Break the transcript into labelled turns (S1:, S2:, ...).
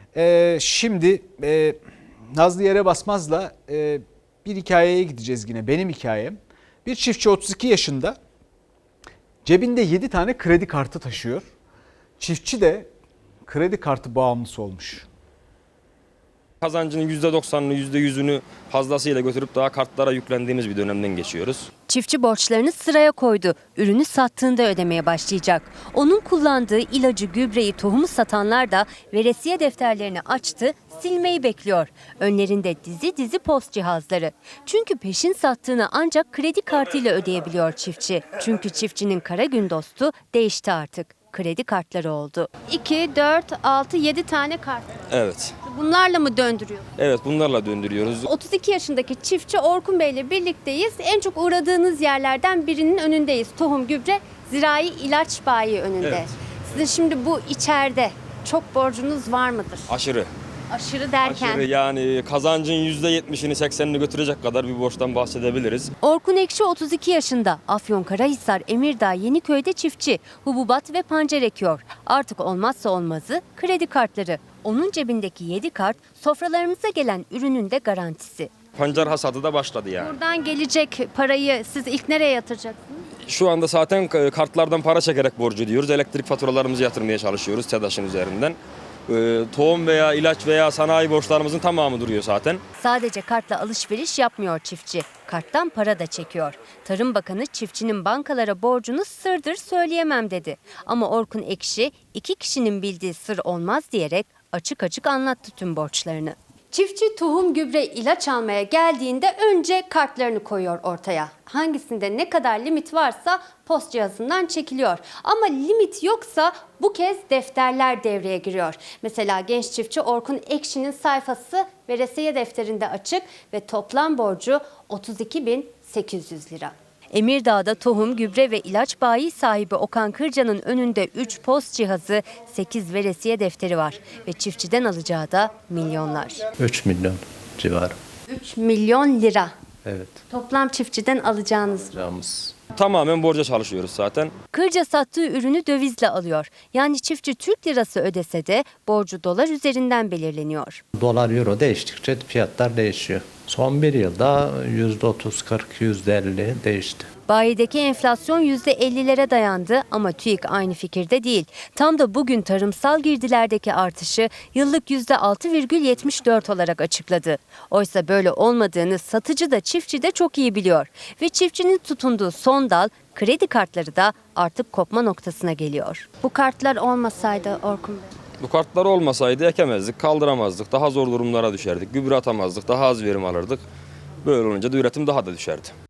S1: Şimdi Nazlı Yere Basmaz'la bir hikayeye gideceğiz yine, benim hikayem. Bir çiftçi 32 yaşında, cebinde 7 tane kredi kartı taşıyor. Çiftçi de kredi kartı bağımlısı olmuş.
S2: Kazancının %90'ını, %100'ünü fazlasıyla götürüp daha kartlara yüklendiğimiz bir dönemden geçiyoruz.
S3: Çiftçi borçlarını sıraya koydu. Ürünü sattığında ödemeye başlayacak. Onun kullandığı ilacı, gübreyi, tohumu satanlar da veresiye defterlerini açtı, silmeyi bekliyor. Önlerinde dizi dizi post cihazları. Çünkü peşin sattığını ancak kredi kartıyla ödeyebiliyor çiftçi. Çünkü çiftçinin kara gün dostu değişti artık. Kredi kartları oldu. 2, 4, 6, 7 tane kart.
S2: Evet.
S3: Bunlarla mı döndürüyor?
S2: Evet, bunlarla döndürüyoruz.
S3: 32 yaşındaki çiftçi Orkun Bey ile birlikteyiz. En çok uğradığınız yerlerden birinin önündeyiz. Tohum, gübre, zirai ilaç bayi önünde.
S2: Evet.
S3: Sizin şimdi bu içeride çok borcunuz var mıdır?
S2: Aşırı.
S3: Aşırı derken?
S2: Aşırı, yani kazancın %70'ini 80'ini götürecek kadar bir borçtan bahsedebiliriz.
S3: Orkun Ekşi 32 yaşında. Afyonkarahisar, Emirdağ, Yeniköy'de çiftçi. Hububat ve pancar ekiyor. Artık olmazsa olmazı kredi kartları. Onun cebindeki 7 kart sofralarımıza gelen ürünün de garantisi.
S2: Pancar hasadı da başladı yani.
S3: Buradan gelecek parayı siz ilk nereye yatıracaksınız?
S2: Şu anda zaten kartlardan para çekerek borcu ödüyoruz. Elektrik faturalarımızı yatırmaya çalışıyoruz TEDAŞ'ın üzerinden. Tohum veya ilaç veya sanayi borçlarımızın tamamı duruyor zaten.
S3: Sadece kartla alışveriş yapmıyor çiftçi. Karttan para da çekiyor. Tarım Bakanı çiftçinin bankalara borcunu sırdır söyleyemem dedi. Ama Orkun Ekşi 2 kişinin bildiği sır olmaz diyerek açık açık anlattı tüm borçlarını. Çiftçi tohum, gübre, ilaç almaya geldiğinde önce kartlarını koyuyor ortaya. Hangisinde ne kadar limit varsa post cihazından çekiliyor. Ama limit yoksa bu kez defterler devreye giriyor. Mesela genç çiftçi Orkun Ekşi'nin sayfası veresiye defterinde açık ve toplam borcu 32.800 lira. Emirdağ'da tohum, gübre ve ilaç bayi sahibi Okan Kırca'nın önünde 3 post cihazı, 8 veresiye defteri var. Ve çiftçiden alacağı da milyonlar.
S4: 3 milyon civarı.
S3: 3 milyon lira.
S4: Evet.
S3: Toplam çiftçiden alacağınız.
S4: Alacağımız.
S2: Tamamen borca çalışıyoruz zaten.
S3: Kırca sattığı ürünü dövizle alıyor. Yani çiftçi Türk lirası ödese de borcu dolar üzerinden belirleniyor.
S4: Dolar euro değiştikçe fiyatlar değişiyor. Son bir yılda %30, 40, %50 değişti.
S3: Bayideki enflasyon %50'lere dayandı ama TÜİK aynı fikirde değil. Tam da bugün tarımsal girdilerdeki artışı yıllık %6,74 olarak açıkladı. Oysa böyle olmadığını satıcı da çiftçi de çok iyi biliyor. Ve çiftçinin tutunduğu son dal kredi kartları da artık kopma noktasına geliyor. Bu kartlar olmasaydı Orkun Bey?
S2: Bu kartlar olmasaydı ekemezdik, kaldıramazdık, daha zor durumlara düşerdik, gübre atamazdık, daha az verim alırdık. Böyle olunca da üretim daha da düşerdi.